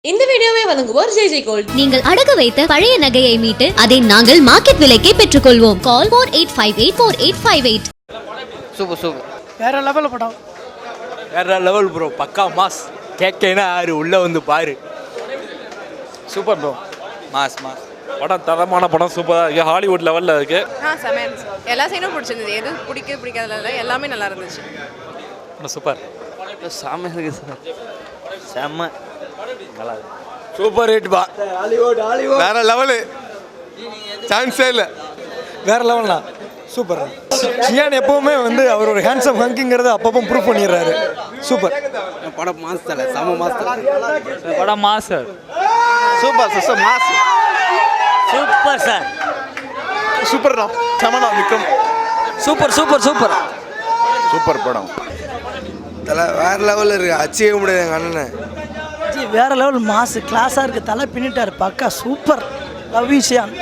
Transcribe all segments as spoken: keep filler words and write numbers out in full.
இந்த வீடியோவை வழங்குவோர் ஜே ஜே கோல்ட். நீங்கள் அடகு வைத்த பழைய நகையை மீட்டு அதை நாங்கள் மார்க்கெட் விலைக்கே பெற்றுக்கொள்வோம். Call four eight five eight four eight five eight. Super super. வேற லெவல் படம். வேற லெவல் ப்ரோ. பக்கா மாஸ். கேக்கேனா ஆறு உள்ள வந்து பாரு. Super bro. Mass mass. படம் தரமான படம், சூப்பராக இருக்குது. ஹாலிவுட் லெவலில் இருக்குது. ஆ செமையாக இருந்துச்சு. எல்லா சைனும் பிடிச்சிருந்தது. எது பிடிக்க பிடிக்காதல எல்லாமே நல்லா இருந்துச்சு. சூப்பர். செம்ம இருக்குது சார். செம்ம நல்லா இருக்கு. சூப்பர் ஹிட் பா. ஹாலிவுட் ஹாலிவுட் வேற லெவலு. சான்ஸே இல்லை. வேற லெவல்னா சூப்பர். சியான் எப்பவுமே வந்து அவர் ஒரு ஹேண்ட்ஸம் ஹங்கிங்கிறத அப்பப்போ ப்ரூவ் பண்ணிடுறாரு. சூப்பர் படம் மாஸ் தலை. செம்ம மாஸ் தலை. படம் mass sir. Super sir. Mass super sir. Super தான். சமனா Vikram. Super super super super படம். தலை வேற லெவலில் இருக்கு. அச்சிக்க முடியாது எங்கள் அண்ணனை. வேற லெவல் மாசு கிளாஸாக இருக்குது. தலை பின்னிட்டார். பக்கா சூப்பர். Love cyan.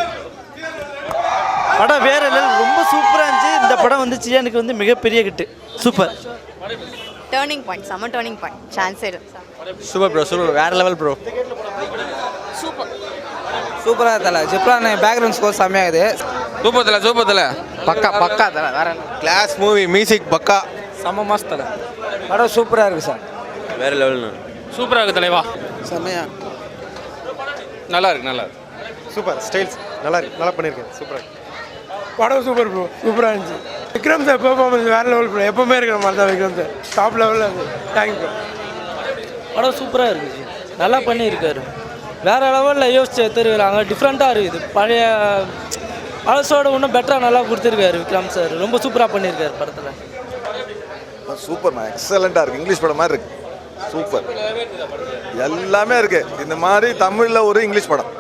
படம் வேற லெவல். ரொம்ப சூப்பராக இருந்துச்சு. இந்த படம் வந்து சியானுக்கு வந்து மிகப்பெரிய கிட்டு. சூப்பர். Turning point. செம்ம டேர்னிங் பாயிண்ட். சான்ஸ் இல்லை. Super bro. சூப்பர். வேற லெவல் ப்ரோ. சூப்பர். சூப்பராக தலை. ஜிப்ரான பேக்ரவுண்ட் ஸ்கோர் செம்மையாகுது. சூப்பர் தலை. சூப்பர் தலை. பக்கா பக்கா தலை. வேற கிளாஸ் மூவி. மியூசிக் பக்கா. செம்ம மாஸ் தலை. படம் சூப்பராக இருக்குது சார். வேற லெவல்னு சூப்பராக இருக்குது தலைவா. செம்மையா நல்லா இருக்கு. நல்லா இருக்கு. சூப்பர் ஸ்டைல்ஸ் நல்லா இருக்கு. நல்லா பண்ணியிருக்கேன். சூப்பராக படம் சூப்பர் ப்ரோ. சூப்பராக இருந்துச்சு. விக்ரம் சார் பெர்ஃபார்மன்ஸ் வேற லெவல் ப்ரோ. எப்பவுமே இருக்கிற மாதிரி தான் விக்ரம் சார். டாப் லெவலில் இருந்து. Thank you bro. படம் சூப்பராக இருந்துச்சு. நல்லா பண்ணியிருக்காரு. வேற லெவலில் யோசிச்சு எடுத்துருக்காங்க. டிஃப்ரெண்ட்டாக இருக்குது. பழைய பழசோட இன்னும் பெட்டராக நல்லா கொடுத்துருக்காரு விக்ரம் சார். ரொம்ப சூப்பராக பண்ணியிருக்காரு படத்தில். சூப்பர்மா. எக்ஸலண்ட்டாக இருக்குது. இங்கிலீஷ் படம் மாதிரி இருக்குது. சூப்பர். எல்லாமே இருக்குது. இந்த மாதிரி தமிழில் ஒரு இங்கிலீஷ் படம்.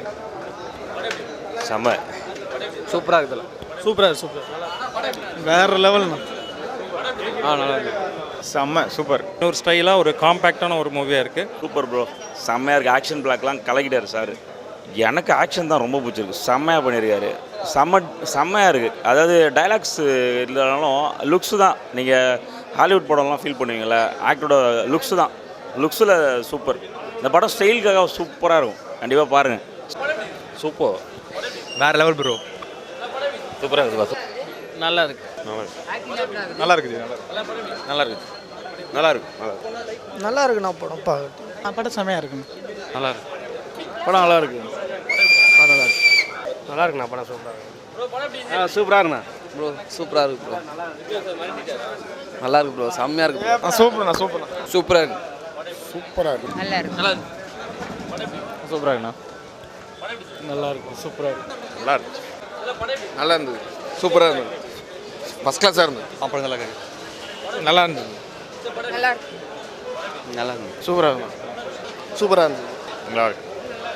செம்ம. சூப்பராக இருக்குதுல்ல. சூப்பராக சூப்பர். வேற லெவல். ஆ நல்லா இருக்கு. செம்ம சூப்பர். ஒரு ஸ்டைலாக ஒரு காம்பேக்டான ஒரு மூவியாக இருக்குது. Super bro. செம்மையாக இருக்குது. ஆக்ஷன் பிளாக்லாம் கலக்கிட்டார் சார். எனக்கு ஆக்ஷன் தான் ரொம்ப பிடிச்சிருக்கு. செம்மையாக பண்ணியிருக்காரு. செம்ம செம்மையாக இருக்குது. அதாவது டைலாக்ஸ் இல்லைனாலும் லுக்ஸு தான். நீங்கள் ஹாலிவுட் படம்லாம் ஃபீல் பண்ணுவீங்களே, ஆக்டரோட லுக்ஸு தான். லுக்ஸில் சூப்பர். இந்த படம் ஸ்டைலுக்காக சூப்பராக இருக்கும். கண்டிப்பாக பாருங்கள். சூப்பர். வேற லெவல் ப்ரோ. சூப்பராக இருக்குது. நல்லா இருக்கு. நல்லா இருக்குது. நல்லா இருக்குது. நல்லா இருக்கு. நல்லா இருக்குண்ணா படம். பா படம் செமையாக இருக்குண்ணா. நல்லா இருக்கு. படம் நல்லா இருக்கு. நல்லா இருக்கு. நல்லா இருக்குண்ணா. படம் சூப்பராக இருக்கு. ஆ சூப்பராக இருக்குண்ணா ப்ரோ. சூப்பராக இருக்கு ப்ரோ. நல்லா இருக்கு ப்ரோ. செம்மையாக இருக்கு ப்ரோ. சூப்பர்ண்ணா. சூப்பர்ண்ணா. சூப்பராக இருக்கு. சூப்பராக இருக்குது. நல்லா இருக்கு. நல்லா இருக்கு. சூப்பராக இருக்குண்ணா. நல்லா இருக்கும். சூப்பராக இருக்கு. நல்லா இருந்துச்சு. நல்லா இருந்தது. சூப்பராக இருந்தது. ஃபஸ்ட் கிளாஸாக இருந்தது. அப்புறம் நல்லா இருக்கு. நல்லா இருந்தது. நல்லா இருக்கு. நல்லா இருக்கு. சூப்பராக இருக்கும். சூப்பராக இருந்தது. நல்லா இருக்கு.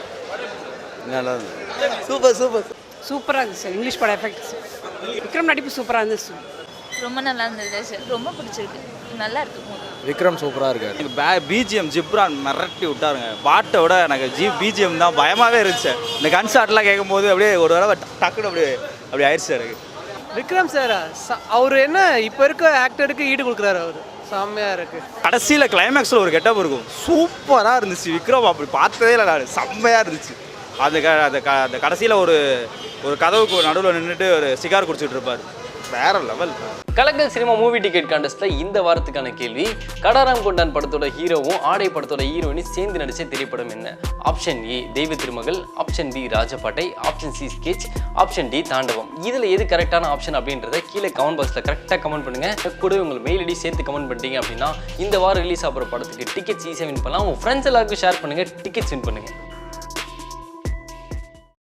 நல்லா இருக்கு. Super super. சூப்பராக இருந்துச்சு சார். இங்கிலீஷ் படம் எஃபெக்ட்ஸ். விக்ரம் நடிப்பு சூப்பராக இருந்துச்சு. ரொம்ப நல்லா இருந்தது சார். ரொம்ப பிடிச்சிருக்கு. நல்லா இருக்கு. விக்ரம் சூப்பராக இருக்காரு. எனக்கு பே பிஜிஎம் ஜிப்ரான் மிரட்டி விட்டாருங்க. பாட்டை விட எனக்கு ஜி பிஜிஎம் தான் பயமாகவே இருந்துச்சு. இந்த கன் ஷாட்லாம் கேட்கும்போது அப்படியே ஒரு தடவை டக்குன்னு அப்படியே அப்படி ஆயிடுச்சு எனக்கு. விக்ரம் சார் அவர் என்ன இப்போ இருக்க ஆக்டருக்கு ஈடு கொடுக்குறாரு. அவர் செம்மையாக இருக்குது. கடைசியில் கிளைமேக்ஸில் ஒரு கெட்டப் இருக்கும். சூப்பராக இருந்துச்சு. விக்ரம் அப்படி பார்த்ததே இல்லை நான். செம்மையாக இருந்துச்சு. அந்த க அந்த க அந்த கடைசியில் ஒரு ஒரு கதவுக்கு நடுவில் நின்றுட்டு ஒரு சிகார் குடிச்சிட்டு இருப்பார். வேற லெவல். கலக்கல் சினிமா மூவி டிக்கெட் கான்டெஸ்ட்ல இந்த வாரத்துக்கான கேள்வி, கடாராம் கொண்டான் படத்தோட ஹீரோவும் ஆடை படத்தோட ஹீரோயினும் சேர்ந்து நடிச்ச திரைப்படம் என்ன? Option A Deiva Thirumagal, option B Rajapattai, option C sketch, option D Thaandavam. இதுல எது கரெக்டான ஆப்ஷன் அப்படின்றத கீழே கமெண்ட் பாக்ஸ்ல கரெக்டாக கமெண்ட் பண்ணுங்க. கூட உங்கள் மெயில் ஐடி சேர்த்து கமெண்ட் பண்ணிட்டீங்க அப்படின்னா இந்த வாரம் ரிலீஸ் ஆகிற படத்துக்கு டிக்கெட்ஸ் ஈஸியாக வின் பண்ணலாம். உங்க ஃப்ரெண்ட்ஸ் எல்லாருக்கும் ஷேர் பண்ணுங்க. டிக்கெட்ஸ் வின் பண்ணுங்க.